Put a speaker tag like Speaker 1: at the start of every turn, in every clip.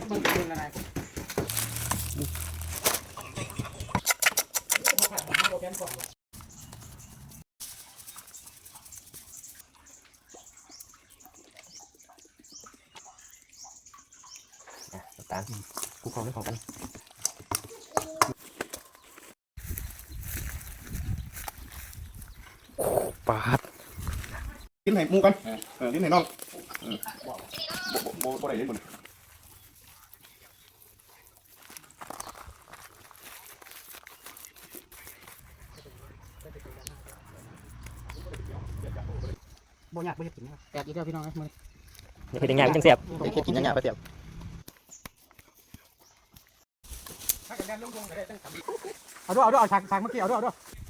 Speaker 1: มันเป็นอะไร
Speaker 2: ตาลกูเขาไม่ของกันปาดกินไหนมูกันกินไหนน้องโบได้เลยคน
Speaker 1: บ่อยากไปกินแตกอีกแล้วพี่น้องนะมึง
Speaker 2: เฮ็ดยังไงมันจังเสียบเฮ็ดกินยังไงไปเสียบ
Speaker 1: เอาด้วยเอาฉากเมื่อกี้เอาด้วย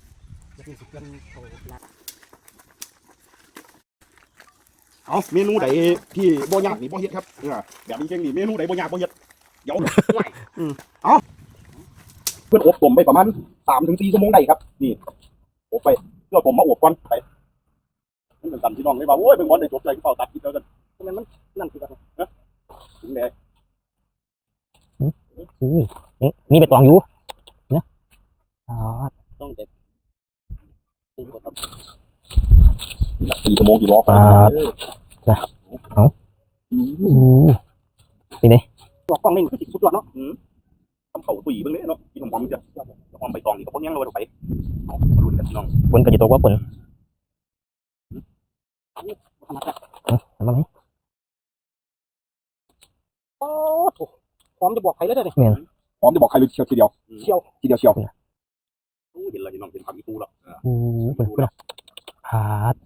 Speaker 3: เอาเมนูใดที่บ่ยากนี่บ่เฮ็ดครับแบบนี้เก่งนี่เมนูใดบ่ยากบ่เฮ็ดเดี๋ยวเอาเพื่อนอบต้มไปประมาณ3-4 ชั่วโมงได้ครับนี่อบไปเพื่อผมมาอบก่อนไปมันเป็นสันพี่น้องเลยว่าโอ้ยเป็นวันได้จบใจเฝ้าตัดกินแล้วกันทำไมมันนั่นคือกันนะถึงไหน
Speaker 2: มีใบตองอยู่นะ
Speaker 3: ต้องเด็ด4 ชั่วโมงกี่รอบ
Speaker 2: ปาดจ้ะเอานี่นี่
Speaker 3: บอกกล้องนี่มันคือสุดยอดเนาะทำเข่าตุ๋ยเบิ่งเลยเนาะกินหอมๆจะหอมใบตองนี่ก็พวกยังเราไปเอามาดูกันพี่น้อง
Speaker 2: คนก็จะตกว่าคนทำไม
Speaker 1: โอ้หอมจะบอกใครแล้วเด้อ
Speaker 2: เนี่ย
Speaker 3: พร้อมจะบอกใครเลยเชียวทีเดียวเชียวเห็นอะไรน้องเป็นผักอีตูแล้ว
Speaker 2: เป็นผาด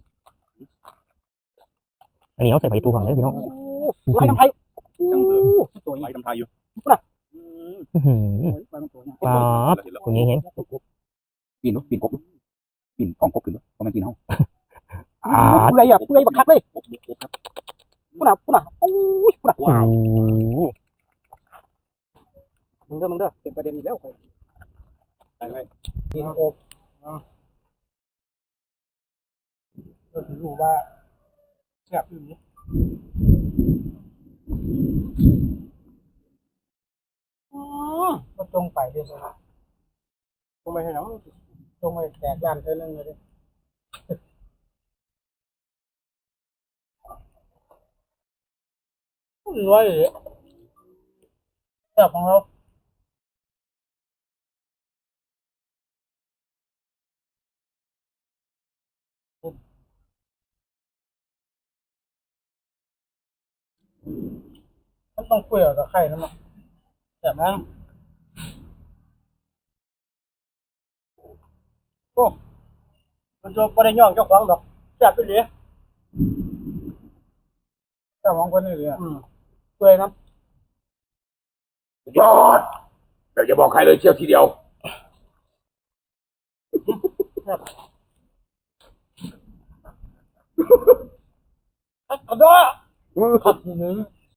Speaker 2: อันนี้เอาใส่ใบตูก่อนเลยพี่น้อง
Speaker 1: ไล่น้ำไผ่
Speaker 3: ตัวใหญ่ทำไทยอยู่
Speaker 2: ปาดคนนี้เห็น
Speaker 3: ปีนกบปีนของกบขึ้นเพราะมันปีนห้อง
Speaker 1: ผู้ใดบักคักเลยผู้น่ะโอ้ยผู้น่ะว้าวมึงเด้อเป็นประเด็นอีกแล้ว
Speaker 3: ไป
Speaker 1: กินอบก็ถือว่าแซ่บอยู่นี่ก็ตรงไปเลยนะตรงไปให้น้องตรงไปแตกด้านเท่านั้นเลยรวยแบบของเราต้องเกลี่ยกับไข่นั่นแหละแบบนั้นโอ้มันจะไม่ได้ย่องเจ้าของหรอกจับไปเลยเจ้าของคนนี้เลยเกลี่ยนะ
Speaker 3: ยอดเดี๋ยวจะบอกใครเลยเชียวทีเดียว
Speaker 1: ขอโทษ